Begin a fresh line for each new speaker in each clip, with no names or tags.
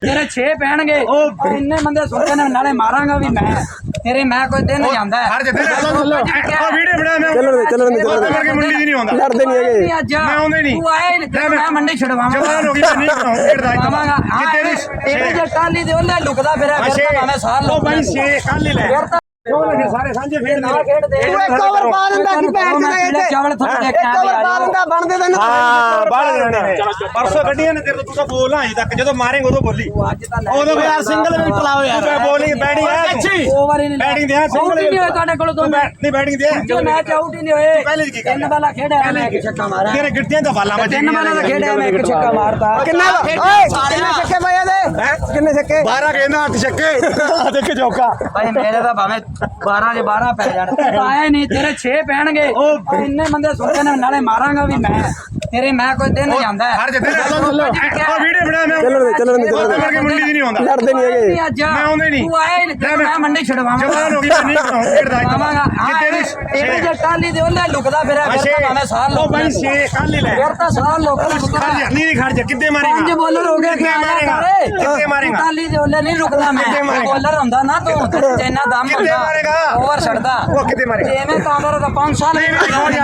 तेरे 6 पैणगे इन्ने बंदे सुनते ने नाले मारांगा भी मैं तेरे मैं कोई दिन जांदा है
हर जगह वीडियो बना मैं
चलो
करके मंडी नहीं आਉਂਦਾ
लड़ते नहीं है
मैं
आਉਂਦੇ नहीं
तू आए मैं मंडी छड़वावांगा
जवान हो गई नहीं कराऊंगा
तेरे जे टाली दे ओले लुकदा फिर मैं साल
ओ भाई 6 कल ही ले सारे सांझे फिर
ना खेड़ दे
तू एक ओवर पा दिंदा कि पैर
पीले चावल थोड़ा देख के
एक ओवर पा दिंदा बनदे तैਨੂੰ
हां बाहर जाने परसों ਗੱਡੀਆਂ ਨੇ ਤੇਰੇ ਤੋਂ ਤੂੰ ਬੋਲ ਅਜੇ ਤੱਕ ਜਦੋਂ ਮਾਰੇਂਗੇ ਉਦੋਂ ਬੋਲੀ ਉਦੋਂ ਯਾਰ ਸਿੰਗਲ ਵੀ ਪਲਾਓ ਯਾਰ ਤੂੰ ਬੋਲਿੰਗ ਬੈਟਿੰਗ ਹੈ
ਓਵਰ ਹੀ ਨਹੀਂ
ਬੈਟਿੰਗ ਦੇ
ਸਿੰਗਲ ਨਹੀਂ ਹੋਏ ਤੁਹਾਡੇ ਕੋਲ ਤੋਂ
ਨਹੀਂ ਬੈਟਿੰਗ ਦੇ
ਮੈਚ ਆਊਟ ਹੀ ਨਹੀਂ ਹੋਏ
ਪਹਿਲੇ ਕੀ
ਤਿੰਨ ਬਾਲਾ ਖੇਡਿਆ ਮੈਂ ਇੱਕ ਛੱਕਾ ਮਾਰਿਆ
ਤੇਰੇ ਗਿੱਟਿਆਂ ਦਾ ਬਾਲਾ ਵੱਜ
ਤਿੰਨ ਬਾਲਾ ਖੇਡਿਆ ਮੈਂ ਇੱਕ ਛੱਕਾ ਮਾਰਤਾ
ਕਿੰਨੇ ਓਏ ਕਿੰਨੇ ਛੱਕੇ ਪਏ ਇਹਦੇ ਕਿੰਨੇ ਛੱਕੇ
12 ਕਹਿੰਦਾ 8 ਛੱਕੇ ਦੇਖ ਚੌਕਾ
ਭਾਈ ਮੇਰੇ ਤਾਂ ਭਾਵੇਂ 12 ਦੇ 12 ਪੈ ਜਾਣ ਆਇਆ ਨਹੀਂ ਤੇਰੇ 6 ਪੈਣਗੇ ਇੰਨੇ ਬੰਦੇ ਸੁਣਦੇ ਨੇ ਨਾਲੇ ਮਾਰਾਂਗਾ ਵੀ ਮੈਂ ਤੇਰੇ ਮੈਂ ਕੋਈ ਦਿਨ ਜਾਂਦਾ
ਹਰ ਜਗ੍ਹਾ ਵੀਡੀਓ ਬਣਾ ਮੈਂ
चलो
ਕਰਕੇ ਮੰਡੀ ਨਹੀਂ ਆਉਂਦਾ
लड़ते नहीं है
ਮੈਂ ਆਉਂਦੇ ਨਹੀਂ
ਤੂੰ ਆਏ ਮੈਂ ਮੰਡੀ ਛੜਵਾਵਾਂਗਾ
ਜਵਾਨ ਹੋ ਗਈ ਨਹੀਂ
ਖੇਡਾਵਾਂਗਾ ਤੇਰੇ ਜੇ ਟਾਲੀ ਦੇ ਉਹਲੇ ਲੁਕਦਾ ਫਿਰ ਭਾਵੇਂ ਸਾਲ
ਉਹ ਭਾਈ 6 ਕੱਲ ਹੀ ਲੈ
ਫਿਰ ਤਾਂ ਸਾਲ ਲੋਕ
ਨਹੀਂ ਖੜ ਜਾ ਕਿੱਦੇ ਮਾਰੇਗਾ
5 ਬੋਲਰ ਹੋ ਗਏ
ਕਿੱਦੇ ਮਾਰੇਗਾ
ਟਾਲੀ ਦੇ ਉਹਲੇ ਨਹੀਂ ਰੁਕਦਾ ਮੈਂ ਬੋਲਰ ਹੁੰਦਾ ਨਾ ਤੂੰ ਚੈਨਾ ਦਮ
ਕਿੱਦੇ ਮਾਰੇਗਾ
ਓਵਰ ਛੱਡਦਾ
ਉਹ ਕਿੱਦੇ ਮਾਰੇਗਾ
ਜਿਵੇਂ ਕਾਂਦਰ ਦਾ 5 ਸਾਲ
ਉਹ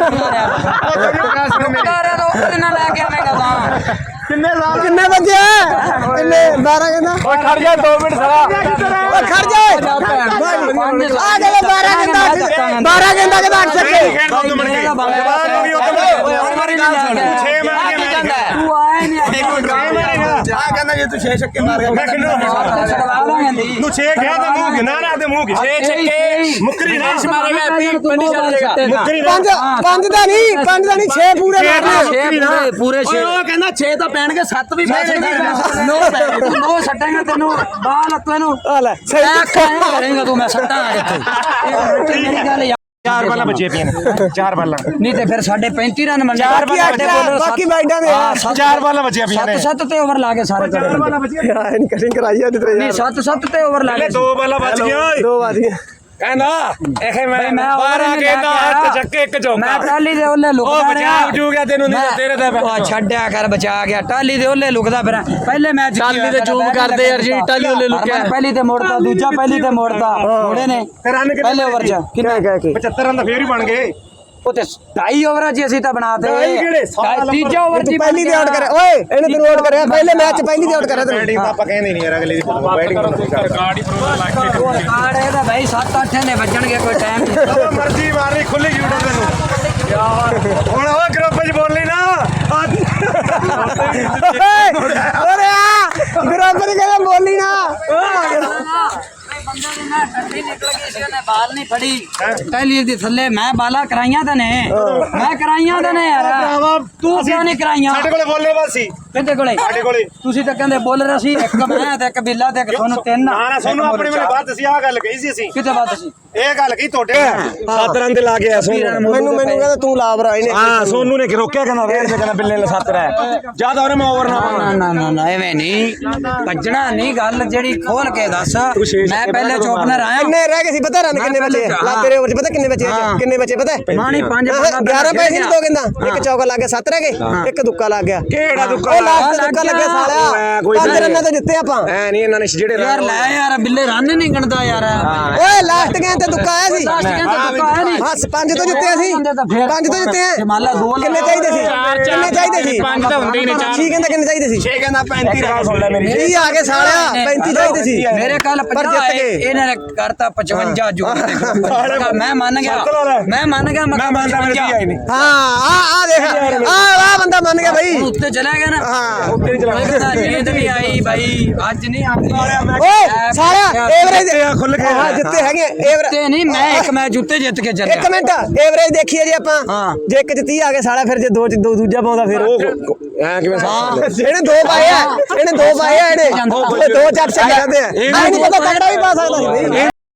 ਨਾ ਲੈ ਕੇ ਆਵੇਂਗਾ ਤਾਂ
किन्ने बजे किन्ने 12 कहना
ਓਏ ਖੜ ਜਾ 2 ਮਿੰਟ ਸਾਰਾ
ओ खड़ जा आ गए 12 कहना 12 कहना के 8 छक्के
ਜਵਾਨ ਹੋ ਗਈ ਉਹ ਤਾਂ 6 ਮਾਰ ਕੇ ਮੈਂ
ਤੂੰ ਆਇਆ ਨਹੀਂ
ਆ ਕਹਿੰਦਾ ਜੇ ਤੂੰ 6 ਛੱਕੇ ਮਾਰ ਗਿਆ ਮੈਂ ਕਿੰਨਾ ਤੂੰ 6 ਗਿਆ ਤਾਂ ਮੂੰਹ ਗਿਣਾ ਨਾ ਤੇ ਮੂੰਹ 6 ਛੱਕੇ ਮੁੱਕਰੀ ਨਹੀਂ ਮਾਰੇਗਾ ਪਿੰਡੀ ਚੱਲ ਜਾਏਗਾ ਮੁੱਕਰੀ
ਪੰਜ ਦਾ ਨਹੀਂ 6 ਪੂਰੇ ਮਾਰਨੇ
ਪੂਰੇ 6
ਉਹ ਕਹਿੰਦਾ 6 ਤਾਂ ਪੈਣਗੇ 7 ਵੀ ਪੈ ਜਾਣਗੇ
ਨੋ ਸੱਟਾਂਗਾ ਤੈਨੂੰ ਬਾਲ ਤੈਨੂੰ
ਆ ਲੈ
ਕਰੇਗਾ ਤੂੰ ਮੈਂ ਸੱਟਾਂ ਇੱਥੇ ਮੇਰੀ ਗੱਲ ਯਾਰ
4 ਬਾਲਾਂ ਬਚੇ ਪਈਆਂ ਨੇ 4 ਬਾਲਾਂ
ਨਹੀਂ ਤੇ ਫਿਰ ਸਾਡੇ 35 ਰਨ ਮੰਨ
ਬਾਕੀ ਬਾਈਡਾਂ ਦੇ
4 ਬਾਲਾਂ ਬਚੀਆਂ ਪਈਆਂ ਨੇ
7 ਤੇ ਓਵਰ ਲਾ ਕੇ ਸਾਰੇ
ਯਾਰ ਨਹੀਂ ਕਟਿੰਗ ਕਰਾਈ ਆ ਤੇਰੇ
ਨਹੀਂ 7 ਤੇ ਓਵਰ ਲਾ ਕੇ
2 ਬਾਲਾਂ ਬਚ ਗਈਆਂ ਓਏ
2 ਵਾਰੀਆਂ
ਕਹਿੰਦਾ ਇਹ ਮੈਂ
12
ਕਹਿੰਦਾ 8 ਛੱਕੇ 1 ਚੌਕਾ
ਮੈਂ ਟਾਲੀ ਦੇ ਉਹਲੇ ਲੁਕਦਾ
ਉਹ ਬਚਾ ਜੂ ਗਿਆ ਤੈਨੂੰ ਨਹੀਂ ਤੇਰੇ ਤੇ
ਛੱਡਿਆ ਕਰ ਬਚਾ ਗਿਆ ਟਾਲੀ ਦੇ ਉਹਲੇ ਲੁਕਦਾ ਫਿਰ ਪਹਿਲੇ ਮੈਚ
ਟਾਲੀ ਤੇ ਜ਼ੂਮ ਕਰਦੇ ਯਾਰ ਜੀ ਟਾਲੀ ਉਹਲੇ ਲੁਕਿਆ
ਪਹਿਲੀ ਤੇ ਮੋੜਦਾ ਦੂਜਾ ਪਹਿਲੀ ਤੇ ਮੋੜਦਾ ਮੋੜੇ ਨੇ
ਰਨ
ਪਹਿਲੇ ਓਵਰ ਚ
ਕਿੰਨੇ ਕਹਿ ਕੇ
75 ਰਨ ਤਾਂ ਫੇਰ ਹੀ ਬਣ ਗਏ
ਉਹ ਤੇ 2.5 ਓਵਰਾਂ ਚ ਅਸੀਂ ਤਾਂ ਬਣਾਤੇ
ਕਿਹੜੇ?
ਤੀਜਾ ਓਵਰ ਚ
ਪਹਿਲੀ ਦੇ ਆਊਟ ਕਰਿਆ ਓਏ ਇਹਨੇ ਤੈਨੂੰ ਆਊਟ ਕਰਿਆ ਪਹਿਲੇ ਮੈਚ ਪਹਿਲੀ ਦੇ ਆਊਟ ਕਰਿਆ ਤੈਨੂੰ
ਬੈਟਿੰਗ ਤਾਂ ਆਪਾਂ ਕਹਿੰਦੇ ਨਹੀਂ ਯਾਰ ਅਗਲੇ ਦੀ ਬੈਟਿੰਗ ਰਿਕਾਰਡ ਹੀ
ਕਾਰਡ ਇਹਦਾ ਭਾਈ 7-8 ਨੇ ਵੱਜਣਗੇ ਕੋਈ ਟਾਈਮ ਨਹੀਂ
ਜਦੋਂ ਮਰਜ਼ੀ ਮਾਰਨੀ ਖੁੱਲੀ ਜੂਟ ਤੈਨੂੰ ਯਾਰ ਹੁਣ ਉਹ ਗਰੁੱਪ 'ਚ ਬੋਲ ਲਈ ਨਾ
ਓਰੇ ਆ ਗਰੋਬਰ ਕਹਿੰਦਾ ਬੋਲੀ ਨਾ
ਬੰਦੇ ਦੀ ਨਾ ਟੱਟੀ ਨਿਕਲ ਗਈ ਸੀ ਉਹਨੇ ਬਾਲ ਨਹੀਂ ਫੜੀ ਟੈਲੀ ਦੇ ਥੱਲੇ ਮੈਂ ਬਾਲਾ ਕਰਾਈਆਂ ਤਾਂ ਨੇ ਮੈਂ ਕਰਾਈਆਂ ਤਾਂ ਨੇ ਯਾਰ ਤੂੰ ਕਿਉਂ ਨਹੀਂ ਕਰਾਈਆਂ
ਸਾਡੇ ਕੋਲੇ ਬੋਲੇ ਬਸ ਸੀ
ਕਿਹਦੇ ਕੋਲੇ
ਸਾਡੇ ਕੋਲੇ
ਤੁਸੀਂ ਤਾਂ ਕਹਿੰਦੇ ਬੋਲਰ ਅਸੀਂ ਇੱਕ ਮੈਂ ਤੇ ਇੱਕ ਬਿੱਲਾ ਤੇ ਇੱਕ ਤੁਹਾਨੂੰ ਤਿੰਨ
ਨਾ ਨਾ ਸੋਨੂੰ ਆਪਣੇ ਵੇਲੇ ਬਾਅਦ ਅਸੀਂ ਆਹ ਗੱਲ ਕਹੀ ਸੀ ਅਸੀਂ
ਕਿਤੇ ਬਾਤ ਸੀ
ਇਹ ਗੱਲ ਕਹੀ ਤੁਹਾਡੇ 7 ਰਨ ਤੇ ਲਾ ਗਿਆ ਸੋਨੂੰ
ਮੈਨੂੰ ਕਹਿੰਦਾ ਤੂੰ ਲਾਵਰਾ ਇਹਨੇ
ਹਾਂ ਸੋਨੂੰ ਨੇ ਰੋਕਿਆ ਕਹਿੰਦਾ ਰੇਡ ਤੇ ਕਹਿੰਦਾ ਬਿੱਲੇ ਨੇ 7 ਰਹਿ ਜਿਆਦਾ ਉਹਨੇ ਮੈਂ ਓਵਰ ਨਾ
ਨਾ ਐਵੇਂ ਨਹੀਂ ਭੱਜਣਾ ਨਹੀਂ ਗੱਲ ਜਿਹੜੀ ਖੋਲ ਕੇ ਦੱਸ ਮੈਂ ਪਹਿਲੇ ਚੋਪਨਰ ਆਇਆ
ਕਿੰਨੇ ਰਹਿ ਗਏ ਸੀ ਪਤਾ ਰਨ ਕਿੰਨੇ ਬਚੇ ਲਾ ਤੇਰੇ ਓਵਰ ਚ ਪਤਾ ਕਿੰਨੇ ਬਚੇ ਪਤਾ
ਮਾਣੀ 5
11 ਪੈਸੇ ਨਹੀਂ ਦੋ ਕਹਿੰਦਾ ਇੱਕ ਚੌਕਾ ਲੱਗ ਗਿਆ 7 ਰਹਿ ਗਏ ਇੱਕ ਦੁੱਕਾ ਲੱਗ ਗਿਆ
ਕਿਹੜਾ ਦੁੱਕਾ
ਉਹ ਲਾਸਟ ਦੁੱਕਾ ਲੱਗਿਆ ਸਾਲਿਆ 5 ਰਨਾਂ ਤੋਂ ਜਿੱਤੇ ਆਪਾਂ
ਐ ਨਹੀਂ ਇਹਨਾਂ ਨੇ ਜਿਹੜੇ
ਯਾਰ ਲੈ ਯਾਰ ਬਿੱਲੇ ਰਨ ਨਹੀਂ ਗਣਦਾ ਯਾਰ
ਓਏ ਲਾਸਟ ਗੇਮ ਤੇ ਦੁੱਕਾ ਆਇਆ ਸੀ
ਲਾਸਟ ਗੇਮ ਤੇ ਦੁੱਕਾ ਆਇਆ ਨਹੀਂ
ਹਾਂ 5 ਤੋਂ ਜਿੱਤੇ ਅਸੀਂ 5 ਤੋਂ ਜਿੱਤੇ
ਮਾਲਾ ਦੋ
ਕਿੰਨੇ ਚਾਹੀਦੇ ਸੀ ਕਿੰਨੇ ਚਾਹੀਦੇ ਸੀ
5 ਤਾਂ ਹੁੰਦੇ ਹੀ ਨੇ 4
6 ਕਹਿੰਦਾ ਕਿੰਨੇ ਚਾਹੀਦੇ ਸੀ
6 ਕਹਿੰਦਾ 35 ਰਹਾ ਸੁਣ ਲੈ ਮੇਰੀ
30 ਆ ਗਏ ਸਾਲਿਆ 35 ਚਾਹੀਦੇ ਸੀ
ਮੇਰੇ ਕੱਲ 50 ਇਹਨਾਂ ਨੇ ਕਰਤਾ 55 ਜੋ ਮੈਂ ਮੰਨ ਗਿਆ ਮੈਂ ਮੰਨ ਗਿਆ
ਮੈਂ ਮੰਨਦਾ ਮੇਰੇ 30 ਆਏ ਨੇ
ਹਾਂ ਆ ਦੇਖ ਆ ਬੰਦਾ ਮੰਨ ਗਿਆ ਭਾਈ
ਉੱਤੇ ਚਲਾ ਗਿਆ ਨਾ
ਹਾਂ
ਉੱਤੇ ਨਹੀਂ ਚਲਾ
ਨੀਂਦ ਵੀ ਆਈ ਭਾਈ ਅੱਜ ਨਹੀਂ ਆਉਂਦੀ
ਓਏ ਸਾਲਿਆ ਐਵਰੇਜ
ਖੁੱਲ ਕੇ
ਹਾਂ ਜਿੱਤੇ ਹੈਗੇ ਐਵਰੇਜ
ਤੇ ਨਹੀਂ ਮੈਂ ਇੱਕ ਮੈਚ ਉੱਤੇ ਜਿੱਤ ਕੇ ਚੱਲਿਆ
ਇੱਕ ਮਿੰਟ ਐਵਰੇਜ ਦੇਖੀਏ ਜੀ ਆਪਾਂ ਜੇ ਇੱਕ ਚ 30 ਆ ਗਏ ਸਾਲਾ ਫਿਰ ਜੇ ਦੋ ਚ ਦੂਜਾ ਪਾਉਂਦਾ ਫਿਰ
ਐ ਕਿਵੇਂ
ਇਹਨੇ 2 ਪਾਏ ਆ ਇਹਨੇ 2 ਪਾਏ ਆ ਇਹਨੇ ਦੋ ਚੱਪ ਸੇ ਜਾਂਦੇ ਆ ਨਹੀਂ ਪਤਾ ਤਗੜਾ ਵੀ ਪਾ ਸਕਦਾ ਸੀ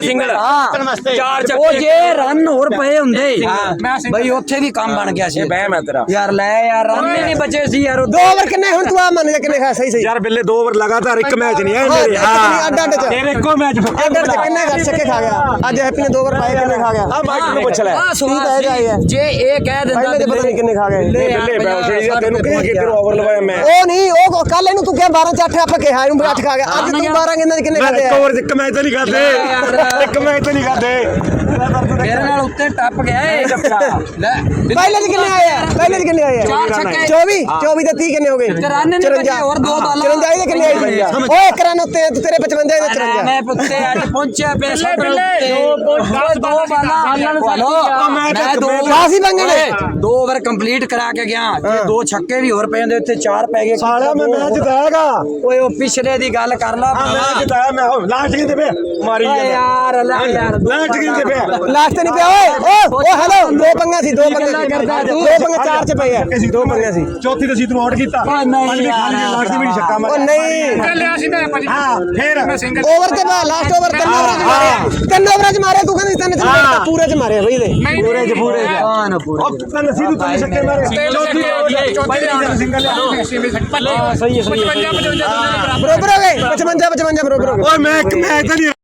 ਸਿੰਗਲ
ਹਾਂ
ਚਾਰ ਚੱਕੇ
ਉਹ ਜੇ ਰਨ ਹੋਰ ਪਏ ਹੁੰਦੇ ਬਈ ਉੱਥੇ ਵੀ ਕੰਮ ਬਣ ਗਿਆ ਸੀ
ਬਹਿ ਮੈਂ ਤੇਰਾ
ਯਾਰ ਲੈ ਯਾਰ ਰਨ ਹੀ ਨਹੀਂ ਬਚੇ ਸੀ ਯਾਰ
2 ਓਵਰ ਕਿੰਨੇ ਹੁਣ ਤੂੰ ਆ ਮੰਨ ਜਾ ਕਿੰਨੇ ਖਾ ਸਹੀ ਸਹੀ
ਯਾਰ ਬਿੱਲੇ 2 ਓਵਰ ਲਗਾਤਾਰ ਇੱਕ ਮੈਚ ਨਹੀਂ ਹੈ ਮੇਰੇ
ਅੱਡ ਅੱਡ ਚ
ਤੇਰੇ ਇੱਕੋ ਮੈਚ
ਅੱਡ ਅੱਡ ਚ ਕਿੰਨੇ ਘਰ ਛੱਕੇ ਖਾ ਗਿਆ ਅੱਜ ਹੈਪੀ ਨੇ 2 ਓਵਰ ਪਾਏ ਕਿੰਨੇ ਖਾ ਗਿਆ
ਆ ਮਾਈਕ ਨੂੰ ਪੁੱਛ ਲੈ
ਆਹ ਸਵਾਲ ਸੀ ਜੇ ਇਹ ਕਹਿ ਦਿੰਦਾ
ਪਹਿਲੇ ਦੇ ਪਤਾ ਨਹੀਂ ਕਿੰਨੇ ਖਾ ਗਏ
ਬਿੱਲੇ ਬੈਠ ਜਾ ਤੈਨੂੰ ਕਿ ਤੇਰੇ ਓਵਰ ਲਵਾਇਆ ਮੈਂ
ਉਹ ਨਹੀਂ ਉਹ ਕੱਲ ਇਹਨੂੰ ਤੂੰ ਕਿਹਾ 12 ਚ 8 ਆਪਾਂ ਕਿਹਾ ਇਹਨੂੰ 8 ਖਾ ਗਿਆ ਅੱਜ ਤੂੰ 12 ਗੇਂਦਾਂ ਚ ਕਿੰਨੇ
ਮੈਂ
ਖਾਦੇ
ਇੱਕ ਓਵਰ ਇੱਕ ਮੈਚ ਤਾਂ ਨਹੀਂ ਖਾਦੇ ਇੱਕ ਮੈਚ ਤਾਂ ਨਹੀਂ ਖਾਦੇ
ਮੇਰੇ ਨਾਲ ਉੱਤੇ ਟੱਪ ਗਿਆ ਏ ਲੈ
ਪਹਿਲੇ ਚ ਕਿੰਨੇ ਆਏ ਆ ਪਹਿਲੇ ਚ ਕਿੰਨੇ ਆਏ ਆ
ਚਾਰ ਛੱਕੇ
24 24 ਤੇ 30 ਕਿੰਨੇ ਹੋ ਗਏ
53 ਨਹੀਂ ਬਚੇ ਹੋਰ 2 ਬਾਲਾਂ
54 ਦੇ ਕਿੰਨੇ ਆਏ ਓਏ ਇੱਕ ਰਨ ਉੱਤੇ ਤੇਰੇ 55 ਦੇ 54
ਮੈਂ ਪੁੱਤੇ ਅੱਜ ਪਹੁੰਚਿਆ ਬੇਸ਼ੱਕ ਦੋ ਬਾਲਾਂ ਮੈਂ ਦੋ
ਕਾਸੀ ਬੰਗੇ ਨੇ
2 ਓਵਰ ਕੰਪਲੀਟ ਕਰਾ ਕੇ ਗਿਆ ਜੇ 2 ਛੱਕੇ ਵੀ ਹੋਰ ਪਏ ਹੁੰਦੇ ਉੱਥੇ 4 ਪੈ ਗਏ
ਸਾਲਿਆ ਮੈਂ ਮੈਚ ਜਿਤਾਇਆਗਾ
ਓਏ ਉਹ ਪਿਛਲੇ ਦੀ ਗੱਲ ਕਰ ਲਾ
ਮੈਂ ਜਿਤਾਇਆ ਮੈਂ ਲਾਸਟ ਕਿੰਨੇ ਪਿਆ ਮਾਰੀ
ਓਏ ਯਾਰ ਅੱਲਾ ਯਾਰ
ਲਾਸਟ ਕਿੰਨੇ ਪਿਆ
ਲਾਸਟ ਨਹੀਂ ਪਿਆ ਓਏ ਓ ਹੈਲੋ 2 ਪੰਗਾ ਸੀ 2 ਪੰਗੇ 2 ਪੰਗੇ 4 ਚ ਪਏ ਆ 2 ਪੰਗੇ ਸੀ
ਚੌਥੀ ਤੇ ਸੀ ਤੂੰ ਆਊਟ ਕੀਤਾ
ਓਏ ਨਹੀਂ
ਖਾਲੀ ਲਾਸਟ ਦੀ ਵੀ ਛੱਕਾ
ਓ
ਮਾਰਿਆ
ਨਹੀਂ
ਲਿਆ ਸੀ ਮੈਂ ਹਾਂ ਫੇਰ
ਓਵਰ ਤੇ ਬਾਅਦ ਲਾਸਟ ਓਵਰ 3 ਓਵਰਾਂ ਚ ਮਾਰਿਆ 3 ਓਵਰਾਂ ਚ ਮਾਰਿਆ ਤੂੰ ਕਹਿੰਦੀ 3 ਚ ਪੂਰੇ ਚ ਮਾਰਿਆ ਬਈ ਦੇ
ਪੂਰੇ ਚ
ਹਾਂ ਨਾ ਪੂਰੇ
ਉਹ ਤਾਂ ਨਸੀਬ ਤੂੰ ਤਿੰਨ ਛੱਕੇ ਮਾਰੇ ਚੌਥੀ ਸਿੰਗਲ
ਸਹੀ ਹੈ
ਬਰੋਬਰ ਹੋ ਗਏ 55 55 ਬਰੋਬਰ ਹੋ ਗਏ
ਓਏ ਮੈਂ ਇੱਕ ਮੈਚ ਤਾਂ ਨਹੀਂ